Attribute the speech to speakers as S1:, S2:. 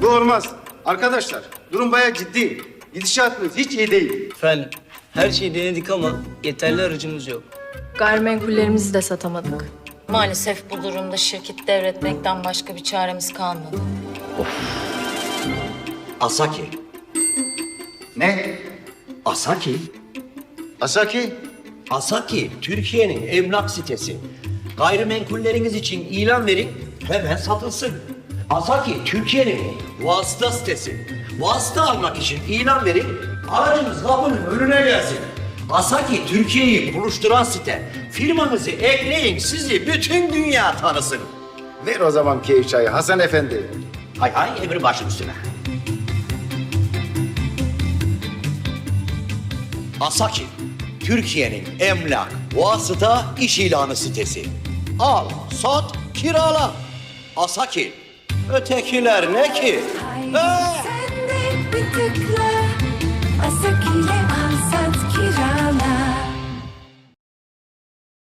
S1: Bu olmaz. Arkadaşlar, durum bayağı ciddi. Gidişatımız hiç iyi değil.
S2: Efendim, her şeyi denedik ama yeterli aracımız yok.
S3: Gayrimenkullerimizi de satamadık.
S4: Maalesef bu durumda şirket devretmekten başka bir çaremiz kalmadı.
S5: Asaki.
S1: Ne?
S5: Asaki.
S1: Asaki?
S5: Asaki, Türkiye'nin emlak sitesi. Gayrimenkulleriniz için ilan verin, hemen satılsın. Asaki, Türkiye'nin vasıta sitesi. Vasıta almak için ilan verin, aracınız kapının önüne gelsin. Asaki, Türkiye'yi buluşturan site. Firmanızı ekleyin, sizi bütün dünya tanısın.
S1: Ver o zaman keyif çayı Hasan Efendi.
S5: Hay hay, emri başım üstüne. Asaki, Türkiye'nin emlak, vasıta, iş ilanı sitesi. Al, sat, kirala. Asaki. Ötekiler ne ki?
S6: Sen de bir tıkla